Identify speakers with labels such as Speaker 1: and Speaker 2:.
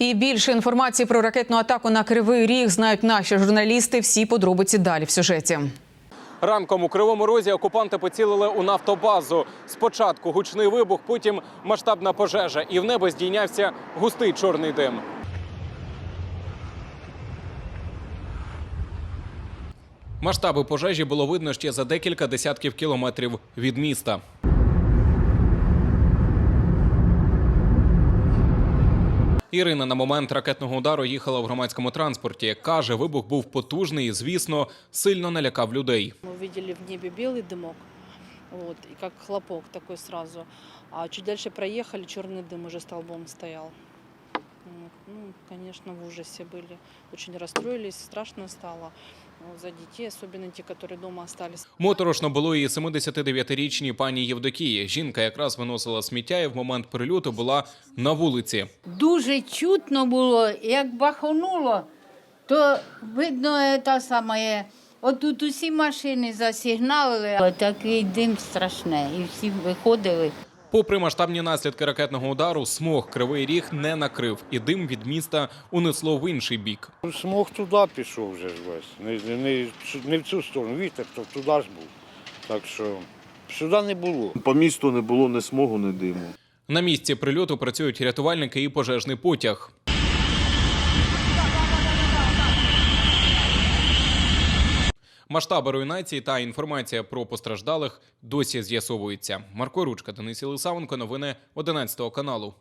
Speaker 1: І більше інформації про ракетну атаку на Кривий Ріг знають наші журналісти. Всі подробиці далі в сюжеті.
Speaker 2: Ранком у Кривому Розі окупанти поцілили у нафтобазу. Спочатку гучний вибух, потім масштабна пожежа. І в небо здійнявся густий чорний дим. Масштаби пожежі було видно ще за декілька десятків кілометрів від міста. Ірина на момент ракетного удару їхала в громадському транспорті. Каже, вибух був потужний і, звісно, сильно налякав людей.
Speaker 3: Мы увидели в небе белый дымок, вот, и как хлопок такой сразу. А чуть дальше проехали, черный дым уже столбом стоял. Вот. Ну, конечно, в ужасе были. Очень расстроились, страшно стало. За детей, особенно те, которые дома остались.
Speaker 2: Моторошно було і 79-річній пані Євдокії. Жінка якраз виносила сміття і в момент прильоту була на вулиці.
Speaker 4: Дуже чутно було, як бахонуло, то видно те саме. Отут усі машини засигналили, такий дим страшний, і всі виходили.
Speaker 2: Попри масштабні наслідки ракетного удару, смог Кривий Ріг не накрив, і дим від міста унесло в інший бік.
Speaker 5: Смог туди пішов вже ж весь, не в цю сторону, вітер, то туди ж був. Так що сюди не було.
Speaker 6: По місту не було ні смогу, ні диму.
Speaker 2: На місці прильоту працюють рятувальники і пожежний потяг. Масштаби руйнації та інформація про постраждалих досі з'ясовуються. Марко Ручка, Денис Єлисавенко, новини 11 каналу.